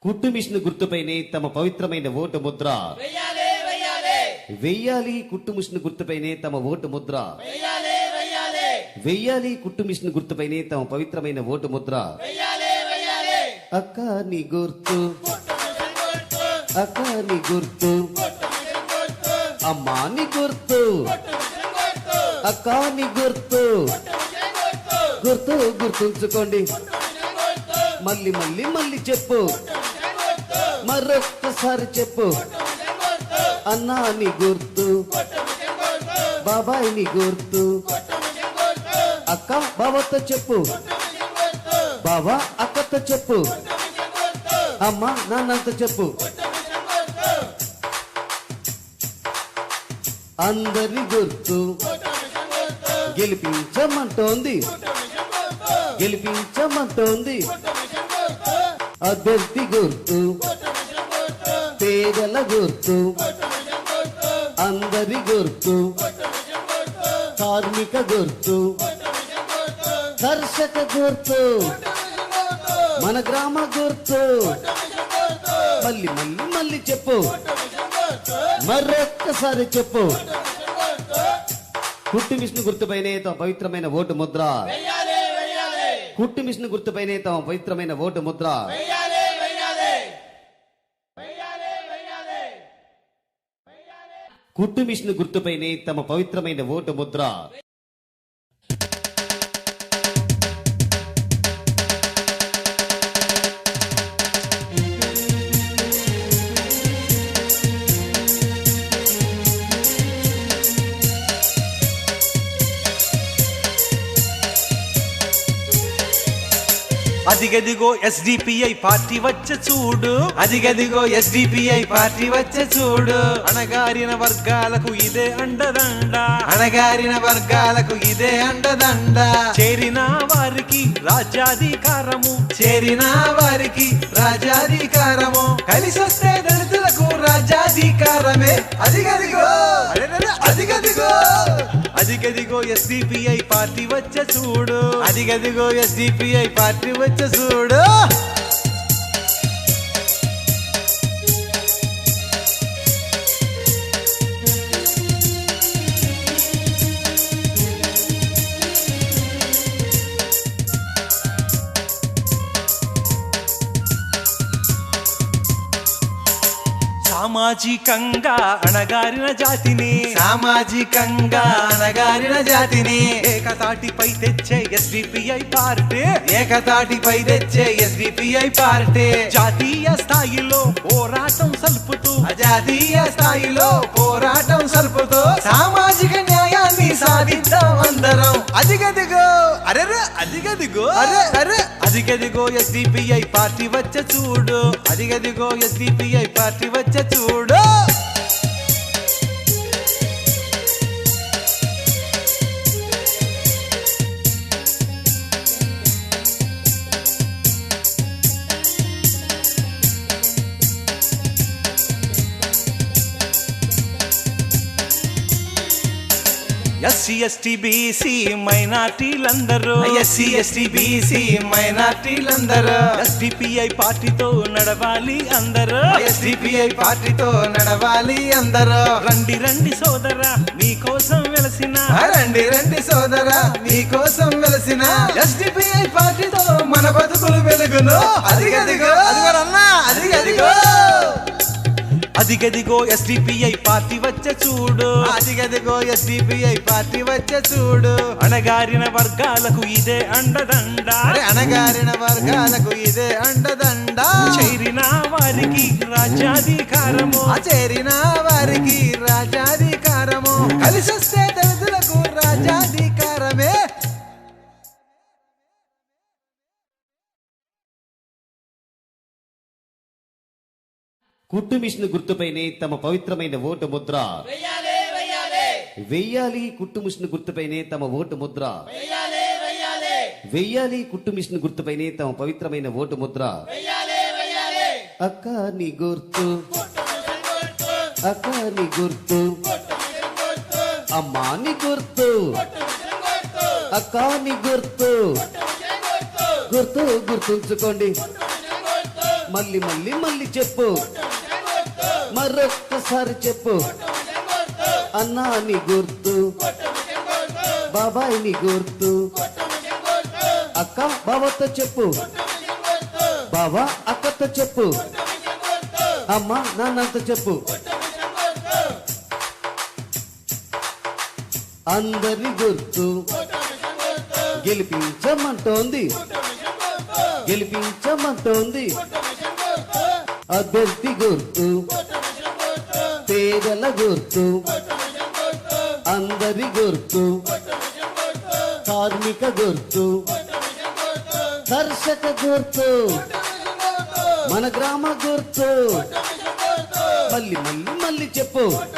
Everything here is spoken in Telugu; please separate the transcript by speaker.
Speaker 1: కుట్టు మిషన్ గుర్తుపైనే తమ పవిత్రమైన ఓటు ముద్ర వెయ్యాలి. కుట్టు మిషన్ గుర్తుపైనే తమ ఓటు ముద్ర వెయ్యాలి. కుట్టు మిషన్ గుర్తుపైనే తమ పవిత్రమైన ఓటు ముద్ర. అక్క నీ గుర్తు, అక్క నీ గుర్తు, అమ్మా నీ గుర్తు, అక్క నీ గుర్తు, గుర్తు గుర్తుంచుకోండి. మళ్ళీ మళ్ళీ మళ్ళీ చెప్పు, మరొక్కసారి చెప్పు. అన్నా నీ గుర్తు, బాబాయ్ నీ గుర్తు, అక్క బాబాతో చెప్పు, బాబా అక్కతో చెప్పు, అమ్మ నాన్నతో చెప్పు. అందరి గుర్తు గెలిపించమంటోంది, గెలిపించమంటోంది. అభ్యర్థి గుర్తు, పేదల గుర్తు, అందరి గుర్తు, కార్మిక గుర్తు, దర్శక గుర్తు, మన గ్రామ గుర్తు. మళ్ళీ మళ్ళీ మళ్ళీ చెప్పు, మరొక్కసారి చెప్పు. కుట్టు మిషన్ గుర్తుపైనే తమ పవిత్రమైన ఓటు ముద్ర. కుట్టు మిషన్ గుర్తుపైనే తమ పవిత్రమైన ఓటు ముద్ర. కుట్టు మిషన్ గుర్తుపైనే తమ పవిత్రమైన ఓటు ముద్ర.
Speaker 2: అదిగదిగో ఎస్డిపిఐ పార్టీ వచ్చే చూడు, అదిగదిగో ఎస్డిపిఐ పార్టీ వచ్చే చూడు. అణగారిన వర్గాలకు ఇదే అండదండ, అణగారిన వర్గాలకు ఇదే అండదండ. చేరిన వారికి రాజ్యాధికారము, చేరిన వారికి రాజ్యాధికారము. కలిసొస్తే దళితులకు రాజ్యాధికారమే. అదిగదిగో అదిగదిగో అదిగదిగో ఎస్డిపిఐ పార్టీ వచ్చే చూడు, అదిగదిగో ఎస్డిపిఐ పార్టీ వచ్చే చూడు. సామాజికంగా అణగారిన జాతిని, సామాజికంగా అణగారిన జాతిని ఏకతాటిపై తెచ్చే ఎస్డిపిఐ పార్టీ, ఏకతాటిపై తెచ్చే ఎస్డిపిఐ పార్టీ. జాతీయ స్థాయిలో పోరాటం సల్పుతూ, జాతీయ స్థాయిలో పోరాటం సల్పుతూ సామాజిక న్యాయాన్ని సాధిద్దాం అందరం. అదిగదిగో అరెరే, అదిగదిగో అరే అరే, అదిగదిగో ఎస్డిపిఐ పార్టీ వచ్చే చూడు, అదిగదిగో ఎస్డిపిఐ పార్టీ వచ్చే చూడు. ఎస్సీ ఎస్టీ బీసీ మైనార్టీలందరూ, ఎస్సీ ఎస్టీ బీసీ మైనార్టీలందరూ ఎస్డిపిఐ పార్టీతో నడవాలి అందరూ, ఎస్డిపిఐ పార్టీతో నడవాలి అందరూ. రండి రండి సోదరా మీకోసం వెలసిన, రండి రండి సోదరా మీకోసం వెలసిన ఎస్డిపిఐ పార్టీతో మన బతుకులు వెలుగును. అదిగదిగో అదిగోరన్నా, అదిగదిగో అదిగదిగో ఎస్డిపిఐ పార్టీ వచ్చే చూడు, అదిగదిగో ఎస్డిపిఐ పార్టీ వచ్చే చూడు. అణగారిన వర్గాలకు ఇదే అండదండ, అణగారిన వర్గాలకు ఇదే అండదండ. చేరిన వారికి రాజ్యాధికారము, చేరిన వారికి రాజ్యాధికారము. కలిసొస్తే దళితులకు రాజ్యాధికారమే.
Speaker 1: కుట్టు మిషన్ గుర్తుపైనే తమ పవిత్రమైన ఓటు ముద్ర వెయ్యాలి. కుట్టు మిషన్ గుర్తుపైనే తమ ఓటు ముద్ర వెయ్యాలి. కుట్టు మిషన్ గుర్తుపైనే తమ పవిత్రమైన ఓటు ముద్ర. అక్క నీ గుర్తు, అక్క నీ గుర్తు, అమ్మా నీ గుర్తు, అక్క నీ గుర్తు, గుర్తు గుర్తుంచుకోండి. మళ్ళీ మళ్ళీ మళ్ళీ చెప్పు, మరొక్కసారి చెప్పు. అన్నా నీ గుర్తు, బాబాయ్ నీ గుర్తు, అక్క బావతో చెప్పు, బావా అక్కతో చెప్పు, అమ్మ నాన్నతో చెప్పు. అందరి గుర్తు గెలిపించమంటోంది, గెలిపించమంటోంది. అభ్యర్థి గుర్తు, పేదల గుర్తు, అందరి గుర్తు, కార్మిక గుర్తు, కర్షక గుర్తు, మన గ్రామ గుర్తు. మళ్ళీ మళ్ళీ మళ్ళీ చెప్పు.